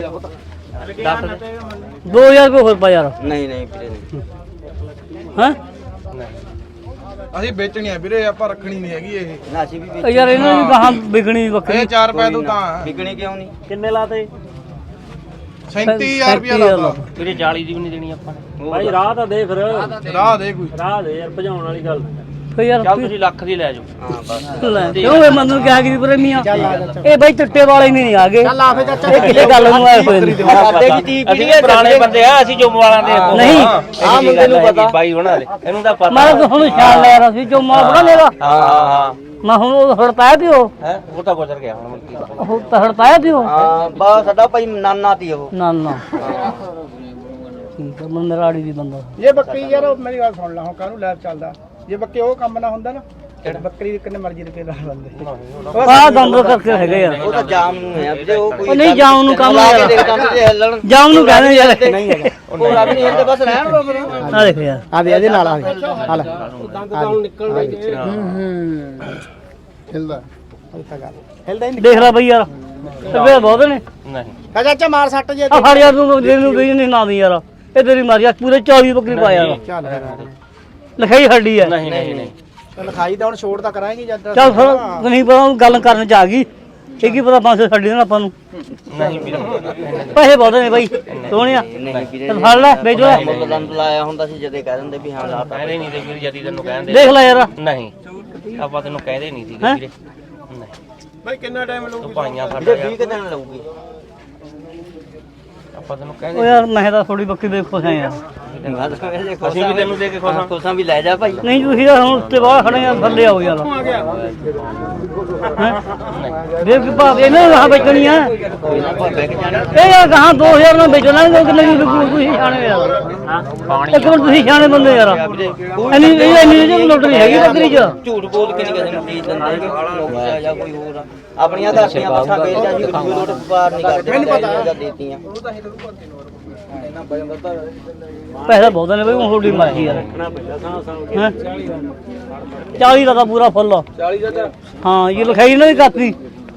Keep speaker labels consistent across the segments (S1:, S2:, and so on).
S1: 2000 ਰੁਪਏ ਹੋਰ ਪਾ ਯਾਰ।
S2: ਨਹੀਂ ਨਹੀਂ ਵੀਰੇ ਨਹੀਂ।
S1: ਹਾਂ
S3: ਅਸੀਂ ਵੇਚਣੀ ਆ ਵੀਰੇ, ਆਪਾਂ ਰੱਖਣੀ ਨਹੀਂ ਹੈਗੀ ਇਹ।
S2: ਨਾ ਅਸੀਂ ਵੀ
S1: ਯਾਰ ਇਹਨਾਂ ਦੀ ਕਹਾਂ ਵਿਕਣੀ ਬੱਕਰੀ।
S3: ਇਹ 4 ਰੁਪਏ ਤੋਂ ਤਾਂ
S2: ਵਿਕਣੀ ਕਿਉਂ ਨਹੀਂ?
S1: ਕਿੰਨੇ ਲਾਤੇ?
S3: 37000 ਰੁਪਏ ਲਾਤਾ
S4: ਵੀਰੇ 40 ਦੀ ਵੀ ਨਹੀਂ ਦੇਣੀ ਆਪਾਂ ਨੇ।
S1: ਭਾਈ ਰਾਹ ਤਾਂ ਦੇ ਫਿਰ,
S3: ਰਾਹ ਦੇ ਕੋਈ।
S1: ਰਾਹ ਦੇ ਯਾਰ, ਭਜਾਉਣ ਵਾਲੀ ਗੱਲ ਫੇ ਯਾਰ।
S4: ਚੱਲ ਤੁਸੀਂ ਲੱਖ ਦੀ ਲੈ ਜਾਓ।
S2: ਹਾਂ ਬਸ
S1: ਲੈ ਕਿਉਂ ਇਹ ਮੈਨੂੰ ਕਿਹਾ ਕਿ ਪ੍ਰੇਮੀਆਂ ਇਹ ਬਾਈ ਚਿੱਟੇ ਵਾਲੇ ਨਹੀਂ ਆ ਗਏ। ਚੱਲ ਆ ਫੇ ਚਾਚਾ ਇਹ ਕਿਲੇ ਗੱਲ ਨੂੰ ਆਏ ਹੋਏ ਨੇ।
S4: ਅਸੀਂ ਪੁਰਾਣੇ ਬੰਦੇ ਆ, ਅਸੀਂ ਜੁੰਮ ਵਾਲਾਂ ਦੇ
S1: ਨਹੀਂ
S2: ਆ ਮੁੰਡੇ ਨੂੰ ਪਤਾ
S4: ਬਾਈ ਉਹਨਾਂ ਦੇ ਇਹਨੂੰ ਤਾਂ ਪਤਾ।
S1: ਮੈਂ ਹੁਣ ਸ਼ਾਨ ਲੈ ਰਿਹਾ ਸੀ ਜੋ ਮਾਂ ਬਣਾ ਲੇਗਾ।
S4: ਹਾਂ
S1: ਮੈਂ ਹੁਣ ਉਹ ਹੜ ਪਾਇਆ ਪਿਓ,
S4: ਹੈ ਉਹ ਤਾਂ ਗੁਜ਼ਰ ਗਿਆ ਹੁਣ ਮਲਕੀ ਦਾ।
S1: ਉਹ ਤਾਂ ਹੜ ਪਾਇਆ ਪਿਓ।
S2: ਹਾਂ ਬਸ ਸਾਡਾ ਭਾਈ ਨਾਨਾ ਤੀ ਉਹ।
S1: ਨਾ ਨਾ ਠੀਕ ਹੈ, ਮੈਂ ਮੇਰਾ ਆੜੀ ਦੀ ਬੰਦਾ।
S5: ਇਹ ਬੱਕਰੀ ਯਾਰ ਮੇਰੀ ਗੱਲ ਸੁਣ ਲਾ, ਹੁਣ ਕਾਹਨੂੰ ਲੈਬ ਚੱਲਦਾ। ਜੇ ਬੱਕੇ ਉਹ ਕੰਮ ਨਾ ਹੁੰਦਾ ਨਾ, ਬੱਕਰੀ ਕਿੰਨੇ ਮਰਜ਼ੀ ਰੁਪਏ ਲਾ ਲੈਂਦੇ।
S1: ਆਹ ਦੰਦ ਕਰਕੇ ਹੈਗੇ ਯਾਰ।
S2: ਉਹ ਤਾਂ ਜਾਮ ਨੂੰ ਹੈ ਵੀਰੇ, ਉਹ ਕੋਈ
S1: ਉਹ ਨਹੀਂ ਜਾਮ ਨੂੰ ਕੰਮ
S2: ਲਾ ਕੇ
S1: ਯਾਰ,
S2: ਦੇਖ ਦੰਦ ਜੇ ਹਿੱਲਣ।
S1: ਜਾਮ ਨੂੰ ਕਹਿੰਦੇ ਯਾਰ। ਨਹੀਂ ਹੈਗਾ
S2: ਉਹ ਰੱਬ ਨਹੀਂ ਹਿੱਲਦੇ, ਬਸ ਰਹਿਣ ਦੋ ਫਿਰ।
S1: ਆ ਦੇਖ ਯਾਰ,
S5: ਆ ਦੇ ਇਹਦੇ ਨਾਲ ਆ ਦੇ ਹਾਲ
S3: ਦੰਦ ਤਾਂ ਹੁਣ ਨਿਕਲਣੇ ਜੇ।
S5: ਹਿਲਦਾ ਹਿਲਦਾ ਹੀ
S1: ਦੇਖ ਲੈ ਬਈ ਯਾਰ, ਤੇ ਬਹੁਤ ਨੇ।
S4: ਨਹੀਂ
S5: ਕਹ ਚਾਚਾ ਮਾਰ ਸੱਟ ਜੇ
S1: ਆ ਫੜ ਯਾਰ ਤੂੰ ਦੇ ਨੂੰ ਨਹੀਂ ਨਾ ਦੀ ਯਾਰ, ਇਹ ਤੇਰੀ ਮਾਰੀ ਆ ਪੂਰੇ 24 ਬੱਕਰੀ ਪਾਇਆ ਯਾਰ।
S5: ਚੱਲ
S1: ਲਿਖਾਈ ਹੱਡੀ ਹੈ।
S4: ਨਹੀਂ ਨਹੀਂ ਨਹੀਂ
S5: ਲਿਖਾਈ ਤਾਂ ਹੁਣ ਛੋੜ ਤਾਂ ਕਰਾਂਗੇ ਜਦ।
S1: ਚੱਲ ਫਿਰ ਨਹੀਂ ਪਤਾ ਗੱਲ ਕਰਨ ਚ ਆ ਗਈ, ਇਹ ਕੀ ਪਤਾ 500 ਛੱਡੀ ਦੇਣਾ ਆਪਾਂ ਨੂੰ।
S4: ਨਹੀਂ ਵੀਰੇ
S1: ਪੈਸੇ ਬਹੁਤ ਨੇ ਬਾਈ ਸੋਹਣਿਆ।
S2: ਨਹੀਂ ਵੀਰੇ
S1: ਚੱਲ ਫੜ ਲੈ ਵੇਚ ਲੈ,
S2: ਮੁੱਲ ਦੰਦ ਲਾਇਆ ਹੁੰਦਾ ਸੀ ਜਦੇ ਕਹਿ ਦਿੰਦੇ ਵੀ ਹਾਂ ਲਾਤਾ।
S4: ਕਹਿੰਦੇ ਨਹੀਂ ਤੇ ਵੀਰ ਜਦੀ ਤੈਨੂੰ ਕਹਿੰਦੇ
S1: ਦੇਖ ਲੈ ਯਾਰ।
S4: ਨਹੀਂ ਆਪਾਂ ਤੈਨੂੰ ਕਹਿੰਦੇ ਨਹੀਂ ਸੀਗੇ ਵੀਰੇ। ਨਹੀਂ
S3: ਭਾਈ ਕਿੰਨਾ ਟਾਈਮ ਲੱਗੂ?
S4: ਤੂੰ ਭਾਈਆਂ
S2: ਵੀਰੇ
S4: ਸਾਡਾ
S2: 20 ਦਿਨ ਲਊਗੀ।
S4: ਆਪਾਂ ਤੈਨੂੰ
S1: ਉਹ
S4: ਕਹਿੰਦੇ
S1: ਯਾਰ ਮੈਂ ਤਾਂ ਥੋੜੀ ਬੱਕਰੀ ਦੇ ਖੁਸ਼ ਆ ਯਾਰ।
S4: ਅਸੀਂ ਵੀ ਤੈਨੂੰ ਦੇ ਕੇ ਖੁਸ਼ ਹਾਂ।
S2: ਕੋਸਾਂ ਵੀ ਲੈ ਜਾ ਭਾਈ।
S1: ਨਹੀਂ ਤੁਸੀਂ ਤਾਂ ਹੁਣ ਉੱਤੇ ਬਾਹਰ ਖੜੇ ਆ, ਥੱਲੇ ਆਓ ਯਾਰ। ਦੇਖ ਕਿ ਭਾਵੇਂ ਇਹਨਾਂ ਨੂੰ ਵੇਚਣੀ ਆ
S2: ਕੋਈ ਨਾ ਭਾਵੇਂ ਕਿ ਜਾਣੇ।
S1: ਇਹ ਯਾਰ ਕਹਾਂ 2000 ਨਾਲ ਵੇਚ ਲਾਂਗੇ, ਕਿੰਨੇ ਦੀ ਵਿਕੂ ਤੁਸੀਂ ਸਿਆਣੇ ਯਾਰ। ਇੱਕ ਮਿੰਟ ਤੁਸੀਂ ਸਿਆਣੇ ਬੰਦੇ ਯਾਰ, ਇੰਨੀ ਲੋਟਰੀ ਹੈਗੀ ਬੱਕਰੀ ਚ।
S2: ਝੂਠ ਬੋਲ ਕੇ ਨਹੀਂ ਕਿਸੇ ਨੂੰ ਚੀਜ਼ ਦਿੰਦੇ ਲੋਕ ਜਾਂ ਕੋਈ ਹੋਰ ਆਪਣੀਆਂ ਧਰਤੀਆਂ ਮੱਥਾ ਵੇਚ ਜਾਂ ਜੀ ਕੋਈ ਲੋਟ ਵਪਾਰ ਨਹੀਂ ਕਰਦੇ। ਮੈਨੂੰ ਪਤਾ ਦੇਤੀਆਂ
S1: ਪੈਸਾ ਬਹੁਤ ਨੇ ਬਈ, ਹੁਣ ਥੋੜੀ ਮਰਜ਼ੀ ਯਾਰ। 40 ਦਾ ਤਾਂ ਪੂਰਾ ਫੁੱਲ।
S3: 40 ਦਾ
S1: ਹਾਂ ਇਹ ਲਿਖਾਈ ਇਹਨਾਂ ਦੀ ਕਾਪੀ।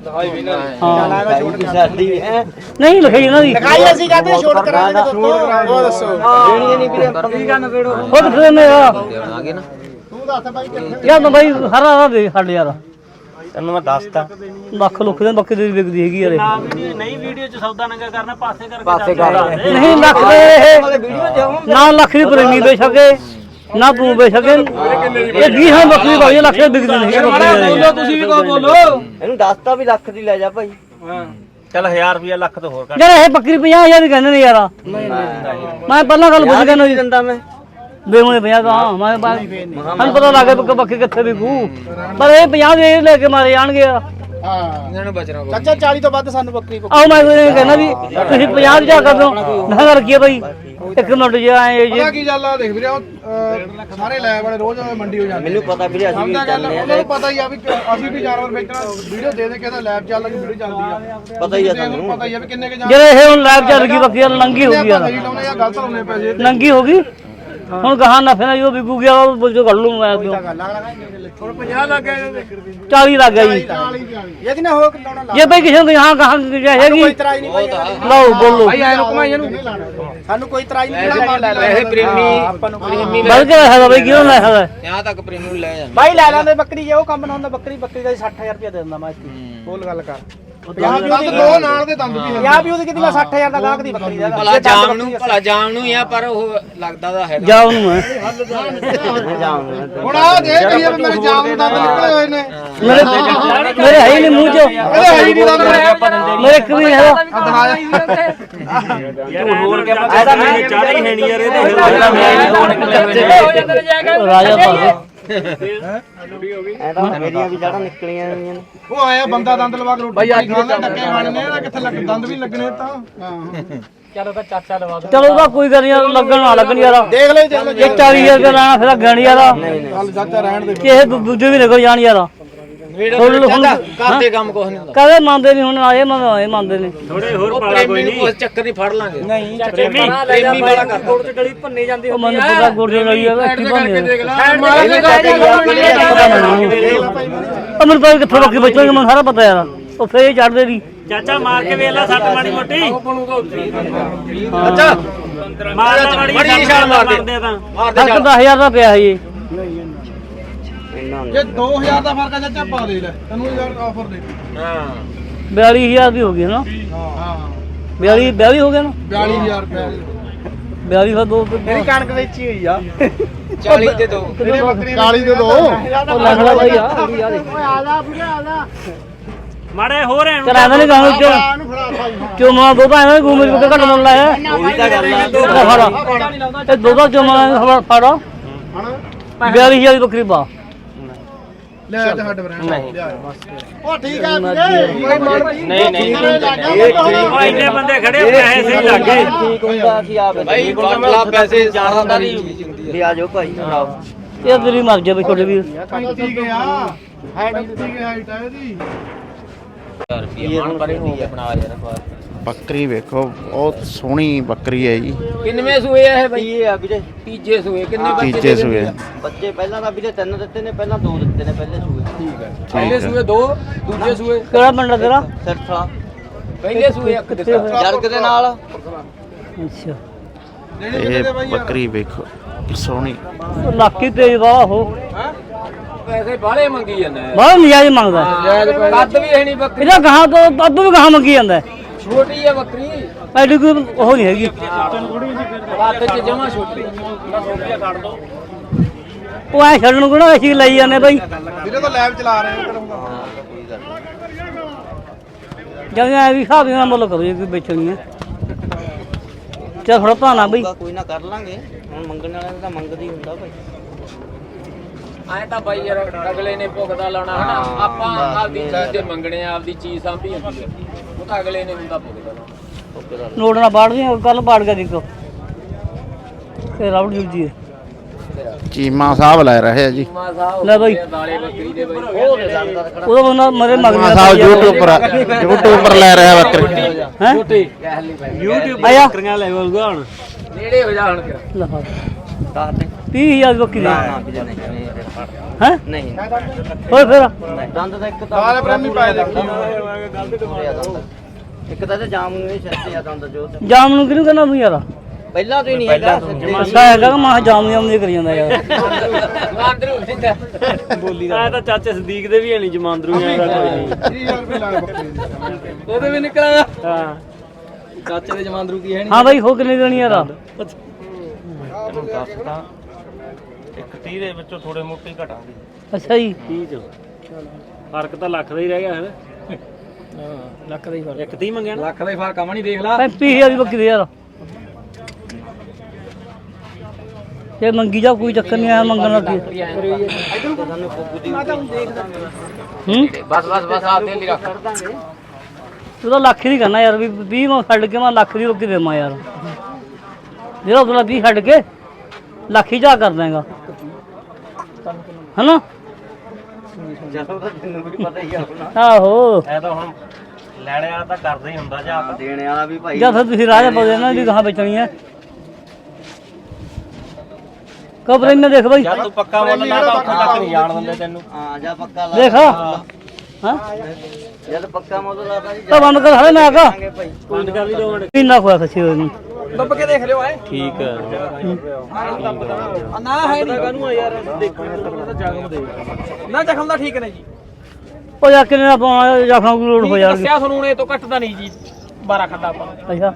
S2: ਹਾਂ ਸਾਡੀ ਹੈ
S1: ਨਹੀਂ ਲਿਖਾਈ ਇਹਨਾਂ ਦੀ।
S5: ਲਿਖਾਈ ਅਸੀਂ ਕਹਿੰਦੇ ਛੋੜ ਕਰਾਂਗੇ ਉਹ ਦੱਸੋ।
S2: ਦੇਣੀ ਨਹੀਂ ਵੀਰੇ 15 ਵੇੜੋ
S1: ਖੁਦ ਫਿਰ ਨੇ ਯਾਰ।
S5: ਤੂੰ ਦੱਸ ਬਾਈ ਕਿੱਥੇ
S1: ਯਾਰ ਮੈਂ ਬਾਈ ਹਰਾ ਹਰਾ ਦੇ ਸਾਡੇ ਯਾਰ।
S4: ਤੈਨੂੰ ਮੈਂ ਦੱਸਤਾ
S1: ਲੱਖ ਲੁੱਖ ਦੇ ਬੱਕਰੀ ਦੀ ਵਿਕਦੀ ਹੈਗੀ ਯਾਰ।
S4: ਨਹੀਂ ਵੀਡੀਓ 'ਚ ਸੌਦਾ ਨੰਗਾ ਕਰਨਾ, ਪਾਸੇ ਕਰਕੇ
S2: ਪਾਸੇ ਕਰ
S1: ਨਹੀਂ ਲੱਖ ਦੇ ਇਹ
S2: ਵੀਡੀਓ ਜਾਉਂ
S1: ਨਾ ਲੱਖ ਦੀ ਪ੍ਰੇਮੀ ਵੇਚ ਸਕੇ ਨਾ ਤੂੰ ਵੇਚ ਸਕੇ। ਇਹ 20 ਬੱਕਰੀ ਭਾਈ ਲੱਖ ਦੀ ਵਿਕਦੀ ਨਹੀਂ ਬੱਕਰੀ।
S4: ਤੁਸੀਂ ਵੀ ਕੋ ਬੋਲੋ।
S2: ਇਹਨੂੰ ਦੱਸਤਾ ਵੀ ਲੱਖ ਦੀ ਲੈ ਜਾ ਭਾਈ।
S4: ਚੱਲ 1000 ਰੁਪਿਆ ਲੱਖ ਤੋਂ ਹੋਰ ਕੱਟ।
S1: ਯਾਰ ਇਹ ਬੱਕਰੀ 50000 ਦੀ ਕਹਿੰਦੇ ਨੇ ਯਾਰ। ਮੈਂ ਪਹਿਲਾਂ ਗੱਲ ਪੁੱਛ ਕੇ
S2: ਨਹੀਂ ਦਿੰਦਾ ਮੈਂ
S1: ਬੇਮਣੇ 50 ਦਾ ਮੈਂ ਸਾਨੂੰ ਪਤਾ ਲੱਗ ਗਿਆ ਕਿ ਬੱਕਰੀ ਕਿੱਥੇ ਵਿਕੂ, ਪਰ ਇਹ 50 ਦੇ ਲੈ ਕੇ ਮਾਰੇ ਜਾਣਗੇ ਯਾਰ।
S5: ਹਾਂ ਇਹਨਾਂ ਨੂੰ ਬਚਣਾ ਚਾਚਾ 40 ਤੋਂ ਵੱਧ ਸਾਨੂੰ ਬੱਕਰੀ ਕੋ।
S1: ਆਹ ਮੈਂ ਕਹਿੰਦਾ ਵੀ ਤੁਸੀਂ 50 ਜਾ ਕਰ ਦੋ ਨਾ ਰੱਖੀਏ ਬਾਈ। ਇੱਕ ਮਿੰਟ ਜੇ ਆਏ
S3: ਪਤਾ ਕੀ ਗੱਲ ਆ, ਦੇਖ ਵੀਰੇ ਉਹ ਸਾਰੇ ਲੈ ਵਾਲੇ ਰੋਜ਼ ਮੰਡੀ ਹੋ ਜਾਂਦੇ।
S2: ਮੈਨੂੰ ਪਤਾ ਵੀਰੇ ਅਸੀਂ ਵੀ
S3: ਸਮਝਦਾ ਗੱਲ,
S2: ਜਾਂਦੇ
S3: ਉਹਨਾਂ
S2: ਆ
S3: ਨੂੰ ਪਤਾ ਹੀ ਆ ਵੀ ਅਸੀਂ ਵੀ ਜਾਨਵਰ ਵੇਚਣਾ। ਵੀਡੀਓ ਦੇ ਦੇ ਕੇ ਤਾਂ ਲੈਬ ਚੱਲ ਕੇ ਵੀਡੀਓ ਚੱਲਦੀ ਆ।
S2: ਪਤਾ ਹੀ ਆ ਸਾਨੂੰ।
S3: ਪਤਾ ਹੀ ਆ ਵੀ ਕਿੰਨੇ ਕੇ
S1: ਜਿਹੜੇ ਇਹ ਹੁਣ ਲੈਬ ਚੱਲ ਗਈ ਬੱਕਰੀ ਨੰਗੀ ਹੋ ਗਈ ਯਾਰ।
S3: ਸਹੀ ਲਾਉਣੇ ਆ, ਗਲਤ ਲਾਉਣੇ ਪੈਸੇ।
S1: ਨੰਗੀ ਹੋ ਗਈ ਹੁਣ ਗਾਹਾਂ ਨਫੇ ਨਾਲ ਜੋ ਵਿਕੂ ਗਿਆ ਉਹ ਬੁੱਝ ਕੱਢ ਲੂ ਮੈਂ ਕਿਉਂ।
S5: ਹੁਣ 50 ਲੱਗ ਗਏ
S1: 40 ਲੱਗ ਗਿਆ ਜੀ।
S5: ਇਹ ਕਿੰਨਾ ਹੋ ਲਾਉਣਾ ਲਾ।
S1: ਜੇ ਬਈ ਕਿਸੇ ਨੂੰ ਗਾਹਾਂ ਗਾਹਾਂ ਹੈਗੀ
S5: ਕੋਈ ਇਤਰਾਜ਼ ਨਹੀਂ ਭਾਈ।
S1: ਲਓ ਬੋਲੋ।
S5: ਭਾਈ ਐ ਰੁਕਮਾ ਇਹਨੂੰ ਸਾਨੂੰ ਕੋਈ ਇਤਰਾਜ਼ ਨਹੀਂ।
S3: ਇਹ ਪ੍ਰੇਮੀ ਆਪਾਂ ਨੂੰ ਪ੍ਰੇਮੀ
S1: ਬਲ ਕੇ ਹੈਗਾ ਬਈ ਕਿਉਂ ਲੈ ਹੈਗਾ।
S3: यहाँ तक प्रेमी ਨੂੰ ਲੈ ਜਾਂਦੇ।
S5: ਭਾਈ ਲੈ ਲੈਂਦੇ ਬੱਕਰੀ, ਜੇ ਉਹ ਕੰਮ ਨਾ ਹੁੰਦਾ ਬੱਕਰੀ ਦਾ 60000 ਰੁਪਏ ਦੇ ਦਿੰਦਾ ਮੈਂ। ਬੋਲ ਗੱਲ ਕਰ। 50
S3: ਦੰਦ ਦੋ ਨਾਲ ਦੇ ਦੰਦ ਵੀ ਹੈ।
S5: 50 ਵੀ ਉਹਦੀ ਕਿਤੇ ਮੈਂ 60000 ਦਾ ਗਾਹਕ ਦੀ ਬੱਕਰੀ ਦਾ।
S6: ਭਲਾ ਜਾਮ ਨੂੰ ਆ, ਪਰ ਉਹ ਲੱਗਦਾ ਦਾ ਹੈ।
S1: ਜਾ ਉਹਨੂੰ ਹੈ
S3: ਹੁਣ ਆ ਦੇਖ ਕੀ ਮੇਰੇ ਜਾਮ ਨੂੰ ਦੰਦ ਨਿਕਲੇ ਹੋਏ ਨੇ।
S1: ਮੇਰੇ ਹੈ ਹੀ ਨਹੀਂ ਮੂੰਹ ਚ।
S3: ਇਹਦੇ ਹੈ ਹੀ ਨਹੀਂ ਦੰਦ।
S1: ਮੇਰੇ ਇੱਕ ਵੀ ਨਹੀਂ ਹੈਗਾ।
S4: ਹੋਰ ਕਿਆ ਪਤਾ ਇਹਦਾ ਮੈਨੂੰ ਚਾਹ ਹੀ ਹੈ ਨਹੀਂ ਯਾਰ। ਇਹਦੇ
S1: ਰਾਜਾ ਭਾਵੇਂ
S2: ਐ ਤਾਂ ਮੇਰੀਆਂ ਵੀ ਜੜਾਂ ਨਿਕਲੀਆਂ ਹੋਈਆਂ ਨੇ।
S3: ਉਹ ਆਇਆ ਬੰਦਾ ਦੰਦ ਲਵਾ ਕੇ ਰੋਟੀ ਖਾਂਦਾ, ਡੱਕੇ ਖਾਣੇ ਇਹਦਾ ਕਿੱਥੇ ਲੱਗ ਦੰਦ ਵੀ ਲੱਗਣੇ ਤਾਂ।
S1: ਚਲੋ ਉਹਦਾ ਕੋਈ ਗੱਲ ਨਹੀਂ, ਲੱਗਣ ਨਾ ਲੱਗਣ ਯਾਰ।
S5: ਦੇਖ ਲੈ ਦੇਖ ਲੈ।
S1: ਇਹ 40000 ਰੁਪਏ ਲੈਣਾ ਫਿਰ ਗਣ ਯਾਰ।
S3: ਚੱਲ ਚਾਚਾ ਰਹਿਣ ਦੇ।
S1: ਕਿਸੇ ਦੂਜੇ ਵੀ ਨਿਕਲ ਜਾਣ ਯਾਰ।
S6: ਕਰਦੇ ਕੰਮ ਕੁਛ ਨਹੀਂ ਹੁੰਦਾ।
S1: ਕਦੇ ਮੰਨਦੇ ਨਹੀਂ ਹੁਣ ਆਏ ਮੰਨਦੇ ਨੇ।
S4: ਥੋੜੇ ਹੋਰ ਪਾਲਾ
S6: ਪ੍ਰੇਮੀ ਨੂੰ ਕੋਈ ਚੱਕਰ ਨਹੀਂ ਫੜ ਲਾਂਗੇ।
S5: ਨਹੀਂ
S6: ਪ੍ਰੇਮੀ ਵਾਲਾ ਕਰ।
S1: ਉਹ ਮੈਨੂੰ ਪਤਾ ਗੁਰਦੇ ਲਈ ਆ ਕੀ ਬਣਿਆ। ਅਮਰ ਭਾਈ ਕਿੱਥੋਂ ਬੱਕੀ ਬਚਣਗੇ ਮੈਨੂੰ ਸਾਰਾ ਪਤਾ ਯਾਰ। ਉਹ ਫੇਰ ਚੜਦੇ ਦੀ
S7: ਚਾਚਾ ਮਾਰ ਕੇ ਵੇਖ ਲੈ ਸੱਟ ਮਾੜੀ ਮੋਟੀ
S6: ਅੱਛਾ
S7: ਮਾਰ ਲੈ ਮਾੜੀ
S6: ਨਿਸ਼ਾਨ ਮਾਰ ਦੇ
S7: ਤਾਂ
S6: ਮਾਰ ਦੇ
S1: ਫਰਕ 10000 ਦਾ ਪਿਆ ਜੀ
S5: ਜੇ 2000 ਦਾ ਫਰਕ ਆ ਚਾਚਾ ਪਾ ਦੇ ਲੈ ਤੈਨੂੰ ਯਾਰ ਆਫਰ ਦੇ
S6: ਹਾਂ
S1: 42000 ਦੀ ਹੋ ਗਈ ਨਾ
S5: ਹਾਂ
S1: 42 ਹੋ ਗਿਆ ਨਾ
S5: 42000 ਰੁਪਏ
S1: 42 ਦਾ ਦੋ
S5: ਮੇਰੀ ਕਣਕ ਵੇਚੀ ਹੋਈ ਆ
S6: 40 ਦੇ ਦੋ
S5: 40 ਦੇ ਦੋ
S1: ਉਹ ਲੱਖ ਦਾ ਬਾਈ ਆ
S7: ਮਾੜੇ ਹੋਰ ਐ
S1: ਕਰਾਂਦਾ ਨਹੀਂ ਗਾਉਂ ਚੋ ਮਾ ਦੋ ਭਾਵੇਂ ਘੁੰਮੇ ਕੇ ਘੱਟ ਮੁੱਲ ਲਾਇਆ
S2: ਉਹੀ ਤਾਂ ਗੱਲ ਆ
S1: ਫੜਾ ਇਹ ਦੋ ਚੋ ਮਾ ਫੜਾ 42000 ਦੀ ਬੱਕਰੀ ਪਾ
S5: ਲੈ ਤੇ ਹੱਡ ਬਰਾਂ
S4: ਨਹੀਂ
S5: ਉਹ ਠੀਕ ਆ ਵੀਰੇ
S4: ਨਹੀਂ ਨਹੀਂ
S7: ਉਹ ਇੰਨੇ ਬੰਦੇ ਖੜੇ ਪੈਸੇ ਸਹੀ ਲੱਗੇ
S2: ਠੀਕ ਹੁੰਦਾ ਅਸੀਂ ਆਪ
S6: ਭਾਈ ਬਟਲਾ ਪੈਸੇ
S2: ਜਾਣਦਾ ਨਹੀਂ ਵੀ ਆ ਜਾਓ ਭਾਈ ਭਰਾਓ
S1: ਇਹ ਤੇਰੀ ਮਰ ਜਾ ਬਈ ਛੋਟੇ ਵੀਰ
S5: 35 ਕੇ ਆ ਹਾਈਟ 35 ਕੇ ਹਾਈਟ ਆ ਇਹਦੀ
S4: ਰੁਪਏ ਮਨ ਪਰੇ ਹੋ ਗਿਆ ਬਣਾ ਯਾਰ ਬਾਹਰ
S8: ਬੱਕਰੀ ਵੇਖੋ ਬਹੁਤ ਸੋਹਣੀ ਬੱਕਰੀ ਹੈ ਜੀ
S6: ਕਿੰਨਵੇਂ ਸੂਏ ਆ ਇਹ ਬਈ
S2: ਇਹ ਆ ਵੀਰੇ
S6: ਤੀਜੇ ਸੂਏ ਕਿੰਨੇ ਬੱਚੇ
S8: ਤੀਜੇ ਸੂਏ
S2: ਬੱਚੇ ਪਹਿਲਾਂ ਤਾਂ ਵੀਰੇ 3 ਦਿੱਤੇ ਨੇ ਪਹਿਲਾਂ 2 ਦਿੱਤੇ ਨੇ ਪਹਿਲੇ ਸੂਏ
S6: ਪਹਿਲੇ ਸੂਏ 2 ਦੂਜੇ ਸੂਏ
S1: ਕਿਹੜਾ ਪਿੰਡ ਤੇਰਾ
S2: ਸਿਰਫਾ
S6: ਪਹਿਲੇ ਸੂਏ ਇੱਕ ਦਿੱਤਾ
S2: ਜਰਗ ਦੇ ਨਾਲ
S1: ਅੱਛਾ
S8: ਇਹ ਬੱਕਰੀ ਵੇਖੋ ਸੋਹਣੀ
S1: ਲੱਕੀ ਤੇਜ ਵਾਹ ਹੋ
S6: ਪੈਸੇ ਬਾਹਲੇ ਮੰਗੀ ਜਾਂਦਾ
S1: ਬਹੁਤ ਨਜਾਇਜ਼ ਮੰਗਦਾ
S6: ਕੱਦ ਵੀ ਹੈ ਨਹੀਂ ਬੱਕਰੀ
S1: ਇਹਦਾ ਗਾਹਾਂ ਤੋਂ ਅੱਧੂ ਵੀ ਗਾਹਾਂ ਮੰਗੀ ਜਾਂਦਾ
S6: ਛੋਟੀ ਹੈ ਬੱਕਰੀ
S1: ਐਡੀ ਕੋਈ ਉਹ ਨਹੀਂ ਹੈਗੀ
S6: ਕੱਦ ਚ ਜਮਾ ਛੋਟੀ
S1: ਉਹ ਐ ਛੱਡਣ ਨੂੰ ਕਿਹੜਾ ਅਸੀਂ ਲਈ ਜਾਂਦੇ ਬਾਈ
S5: ਵੀਰੇ ਤਾਂ ਲੈਬ ਚਲਾ ਰਹੇ ਹੋ
S1: ਜਿਵੇਂ ਐ ਵੀ ਹਿਸਾਬ ਨਾਲ ਮੁੱਲ ਕਰੋ ਜੇ ਕੋਈ ਵੇਚਣੀ ਹੈ ਚੱਲ ਥੋੜਾ ਭਾਣਾ ਬਈ
S2: ਕੋਈ ਨਾ ਕਰ ਲਾਂਗੇ ਹੁਣ ਮੰਗਣ ਵਾਲਿਆਂ ਦਾ ਤਾਂ ਮੰਗਦਾ ਹੀ ਹੁੰਦਾ ਭਾਈ
S6: ਐ ਤਾਂ ਬਾਈ ਯਾਰ ਅਗਲੇ ਨੇ ਭੁਗਦਾ ਲਾਉਣਾ ਹਨਾ ਆਪਾਂ ਆਪਦੀ ਚੀਜ਼ ਤੇ ਮੰਗਣੇ ਆ ਆਪਦੀ ਚੀਜ਼ ਸਾਂਭੀ ਹੁੰਦੀ ਹੈ ਉਹ ਤਾਂ ਅਗਲੇ ਨੇ ਹੁੰਦਾ ਭੁਗਦਾ ਲਾਉਣਾ
S1: ਨੋਟ ਨਾ ਬਾੜ ਦੀ ਕੱਲ ਬਾੜ ਕੇ ਦੇਖੋ ਇਹ ਰਾਉਡ ਜੂਜੀ ਹੈ
S8: ਚੀਮਾ ਸਾਹਿਬ ਲੈ ਰਹੇ ਆ ਜੀ
S6: ਮਾ ਸਾਹਿਬ
S1: ਲੈ ਬਾਈ
S6: ਦਾਲੇ ਬੱਕਰੀ ਦੇ ਬਾਈ
S1: ਉਹਦਾ ਬੰਦਾ ਮਰੇ ਮਗਰ
S8: ਚੀਮਾ ਸਾਹਿਬ YouTube ਪਰ ਲੈ ਰਿਹਾ ਬੱਕਰੀ
S1: ਹੈ
S6: ਛੋਟੀ
S7: YouTube
S1: ਆਇਆ
S7: ਬੱਕਰੀਆਂ ਲੈ ਬੋਲਗਾ ਹੁਣ
S6: ਨੇੜੇ ਹੋ ਜਾ ਹੁਣ ਕਿਰਾ
S1: ਲੈ
S2: ਦੱਸ ਦੇ
S1: 30000 ਬੱਕਰੀ
S2: ਨਾ ਨਾ ਵੀਰੇ ਨਹੀਂ
S1: ਹੈ
S2: ਨਹੀਂ
S1: ਹੋਰ ਫਿਰ
S2: ਦੰਦ ਦਾ ਇੱਕ
S5: ਸਾਰੇ ਪ੍ਰੇਮੀ ਪਾਏ ਦੇਖੀ
S2: ਇੱਕ ਤਾਂ ਤੇ ਜਾਮ ਨੂੰ ਇਹ ਛੱਤੇ ਆ ਦੰਦ ਜੋ ਤੇ
S1: ਜਾਮ ਨੂੰ ਕਿਹਨੂੰ ਕਹਿੰਦਾ ਤੂੰ ਯਾਰ
S2: ਪਹਿਲਾਂ ਤੋਂ ਹੀ ਨਹੀਂ ਹੈਗਾ
S1: ਅੱਛਾ ਹੈਗਾ ਕਿ ਮਾਂ ਜਾਮ ਨੂੰ ਆਉਂਦੀ ਕਰੀ ਜਾਂਦਾ ਯਾਰ
S6: ਅੰਦਰੋਂ ਸਿੰਦਾ
S7: ਬੋਲੀ ਦਾ ਤਾਂ ਚਾਚੇ ਸਦੀਕ ਦੇ ਵੀ ਹੈ ਨਹੀਂ ਜਮਾਂਦਰੂ ਯਾਰ ਕੋਈ ਨਹੀਂ
S5: 30000 ਰੁਪਏ ਲਾਏ ਬੱਕਰੀ ਦੇ
S6: ਉਹਦੇ ਵੀ ਨਿਕਲਿਆ
S7: ਹਾਂ
S6: ਚਾਚੇ ਦੇ ਜਮਾਂਦਰੂ ਕੀ ਹੈ
S1: ਹਾਂ ਬਾਈ ਹੋ ਕਿੰਨੀ ਦੇਣੀ ਯਾਰ
S4: ਤੈਨੂੰ ਦੱਸਦਾ ਇੱਕ 30 ਦੇ ਵਿੱਚੋਂ ਥੋੜੇ ਮੋਟੇ ਹੀ ਘਟਾਂਗੇ
S1: ਅੱਛਾ ਜੀ
S7: 30 ਚ ਫਰਕ ਤਾਂ ਲੱਖ ਦਾ ਹੀ ਰਹਿ ਗਿਆ ਹੈ ਲੱਖ ਦਾ ਹੀ ਫਰਕ ਇੱਕ 30 ਮੰਗਿਆ ਨਾ
S6: ਲੱਖ ਦਾ ਹੀ ਫਰਕ ਆਵਣੀ ਦੇਖ ਲਾ
S1: 35000 ਦੀ ਬੱਕਰੀ ਦੇ ਯਾਰ ਜੇ ਮੰਗੀ ਜਾ ਕੋਈ ਚੱਕਰ ਨਹੀਂ ਆਇਆ ਮੰਗਣ ਲੱਗੀ ਹੂੰ
S6: ਬਸ ਬਸ ਬਸ ਆ ਦੇ ਲਈ ਰੱਖ
S1: ਤੂੰ ਤਾਂ ਲੱਖ ਹੀ ਕਰਨਾ ਯਾਰ ਵੀ 20 ਮੈਂ ਛੱਡ ਕੇ ਮੈਂ ਲੱਖ ਦੀ ਰੋਕੀ ਦੇਵਾਂ ਯਾਰ ਜਿਹੜਾ ਉਹਦਾ 20 ਛੱਡ ਕੇ ਲੱਖ ਹੀ ਜਾ ਕਰ ਦੇਗਾ ਹਨਾ
S2: ਜਦੋਂ ਤਾਂ ਤੈਨੂੰ ਵੀ ਪਤਾ ਹੀ ਆ ਆਪਣਾ
S1: ਆਹੋ
S4: ਐ ਤਾਂ ਹੁਣ ਲੈਣੇ ਵਾਲਾ ਤਾਂ ਕਰਦਾ ਹੀ ਹੁੰਦਾ ਜਾਂ
S2: ਦੇਣੇ ਵਾਲਾ ਵੀ ਭਾਈ
S1: ਜਾਂ ਫਿਰ ਤੁਸੀਂ ਰਾਜਾ ਪਾਉਂਦੇ ਨਾ ਵੀ ਗਾਹਾਂ ਵੇਚਣੀ ਹੈ ਕਬਰ ਇਹਨੇ ਦੇਖ ਬਾਈ
S4: ਜਦ ਤੂੰ ਪੱਕਾ ਮੁੱਲ ਲਾਦਾ ਉੱਥੇ ਤੱਕ ਨਹੀਂ ਜਾਣ ਦਿੰਦੇ ਤੈਨੂੰ
S2: ਹਾਂ ਜਾਂ ਪੱਕਾ ਲਾ
S1: ਦੇਖ ਹਾਂ
S2: ਜਦ ਪੱਕਾ ਮੁੱਲ ਲਾਦਾ ਜੀ
S1: ਤਾਂ ਬੰਦ ਕਰ ਹਲੇ ਮੈਂ ਆਗਾ
S2: ਜਾਵਾਂਗੇ ਭਾਈ
S7: ਬੰਦ ਕਰ ਲਈ 2 ਮਿੰਟ
S1: ਕਿੰਨਾ ਖੋਇਆ ਖੱਸੀ ਹੋਈ ਨੂੰ
S6: ਦੱਬ ਕੇ ਦੇਖ ਲਿਓ ਐ
S7: ਠੀਕ ਹੈ
S6: ਨਾ ਹੈ ਨਹੀਂ ਕਾਨੂੰ ਯਾਰ ਦੇਖੋ ਤਾਂ ਜ਼ਖਮ ਦੇ ਨਾ ਜ਼ਖਮ ਦਾ ਠੀਕ ਨੇ ਜੀ
S1: ਉਹ ਜਾ ਕਿੰਨੇ ਦਾ ਪਾਉਣਾ ਜਾਖਾਂ ਕੋਈ ਲੋਡ ਹੋ ਜਾਣਗੇ
S6: ਦੱਸਿਆ ਤੁਹਾਨੂੰ ਇਹ ਤੋਂ ਘੱਟਦਾ ਨਹੀਂ ਜੀ 12 ਖੱਡਾ ਆਪਾਂ
S1: ਅੱਛਾ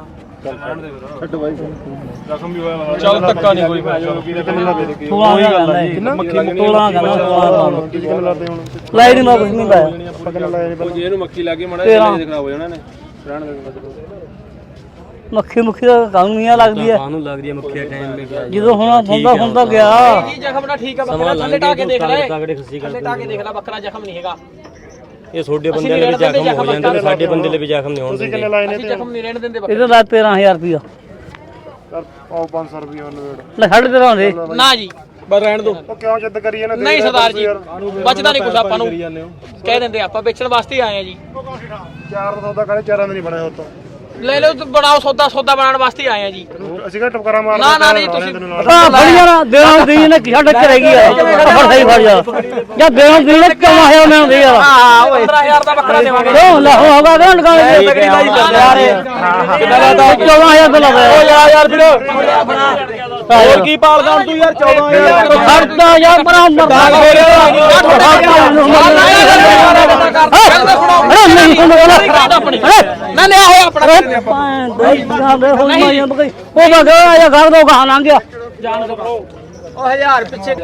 S6: ਚੱਲ ਧੱਕਾ ਨਹੀਂ ਕੋਈ
S1: ਤੋਲਾ ਗੱਲ ਹੈ ਤੋਲਾ ਗੱਲ ਲਾਈ ਨਹੀਂ ਮੈਂ ਕੁਝ ਨਹੀਂ ਪਾਇਆ
S3: ਜੇ ਇਹਨੂੰ ਮੱਖੀ ਲੱਗੇ ਮੜਾ
S1: ਖਰਾਬ
S3: ਹੋ ਜਾਣਾ ਨੇ ਰਹਿਣ ਦੇ
S1: ਮੱਖੀ ਮੁੱਖੀ ਦਾ ਕਾਨੂੰਨ ਨਹੀਂ ਲੱਗਦੀ ਹੈ
S7: ਕਾਹਨੂੰ ਲੱਗਦੀ ਹੈ ਮੱਖੀਆ ਟਾਈਮ ਮੇ
S1: ਜਦੋਂ ਹੁਣ ਹੁੰਦਾ ਗਿਆ
S6: ਜੀ ਜ਼ਖਮ ਦਾ ਠੀਕ ਆ ਬੱਕਰਾ ਥੱਲੇ ਟਾ ਕੇ ਦੇਖ ਲੈ
S7: ਤਗੜੇ ਖੱਸੀ
S6: ਥੱਲੇ ਟਾ ਕੇ ਦੇਖ ਲੈ ਬੱਕਰਾ ਜ਼ਖਮ ਨਹੀਂ ਹੈਗਾ
S7: ਇਹ ਛੋਡੇ ਬੰਦੇ ਲਈ ਵੀ ਜ਼ਖਮ ਹੋ ਜਾਂਦੇ ਨੇ ਸਾਡੇ ਬੰਦੇ ਲਈ ਵੀ ਜ਼ਖਮ ਨਹੀਂ ਹੋਣ ਦਿੰਦੇ
S6: ਅਸੀਂ ਜ਼ਖਮ ਨਹੀਂ ਰਹਿਣ ਦਿੰਦੇ
S1: ਇਹਦਾ ਲਾ 13000 ਰੁਪਇਆ
S3: ਆਓ 500 ਰੁਪਏ ਉਹਨੂੰ
S1: ਲੈ ਛੱਡ ਦੇ ਰਹਾਂਦੇ
S6: ਨਾ ਜੀ ਬਸ ਰਹਿਣ ਦੋ
S3: ਉਹ ਕਿਉਂ ਜਿੱਦ ਕਰੀ ਇਹਨੇ
S6: ਨਹੀਂ ਸਰਦਾਰ ਜੀ ਬਚਦਾ ਨਹੀਂ ਕੁਛ ਆਪਾਂ ਨੂੰ ਕਹਿ ਦਿੰਦੇ ਆਪਾਂ ਵੇਚਣ ਵਾਸਤੇ ਹੀ ਆਏ ਆ ਜੀ
S3: 400 ਦਾ ਕਰੇ 4 ਦਾ ਨਹੀਂ ਬਣਿਆ ਉਤੋਂ ਲੈ ਲਓ ਤੂੰ ਬਣਾਓ ਸੌਦਾ ਬਣਾਉਣ ਵਾਸਤੇ ਆਏ ਆ ਜੀ
S4: ਅਸੀਂ ਕਿਹੜਾ ਟਪਕਾਰਾ ਮਾਰ
S3: ਨਾ ਨਹੀਂ ਤੁਸੀਂ
S1: ਫੜੀਆਂ ਨਾ ਦੇਣਾ ਦੀ ਨੇ ਕਿਹੜਾ ਟੱਕ ਰਹਿ ਗਈ ਆ ਫੜ ਸਹੀ ਫੜ ਜਾ ਜਾਂ ਦੇਣਾ ਦੀ ਨੇ ਕਿਉਂ ਆਇਆ ਮੈਂ ਹੁੰਦੀ ਯਾਰ
S3: ਹਾਂ ਓਏ 15000 ਦਾ ਬੱਕਰਾ ਦੇਵਾਂਗੇ
S1: ਕਿਉਂ ਲਾ ਹੋਗਾ ਗਣ ਗਣ
S3: ਤਗੜੀ ਬਾਈ ਕਰਦੇ ਯਾਰ
S1: ਕਿੰਨਾ ਦਾ 14000 ਦਾ ਲਾਇਆ
S3: ਓ ਯਾਰ ਵੀਰ ਹੋਰ ਕੀ ਪਾਲਦਾ ਹੁਣ ਤੂੰ ਯਾਰ 14000
S1: ਖਰਚਾ ਯਾਰ ਬਣਾ ਮਰਦਾ
S3: ਨਾ ਲਿਆ ਹੋਇਆ ਆਪਣਾ
S1: ਉਹ ਬਗਾ ਆਇਆ ਘਰ ਦੋ ਗਾਂ ਲੰਘ ਗਿਆ
S3: ਉਹ 1000 ਪਿੱਛੇ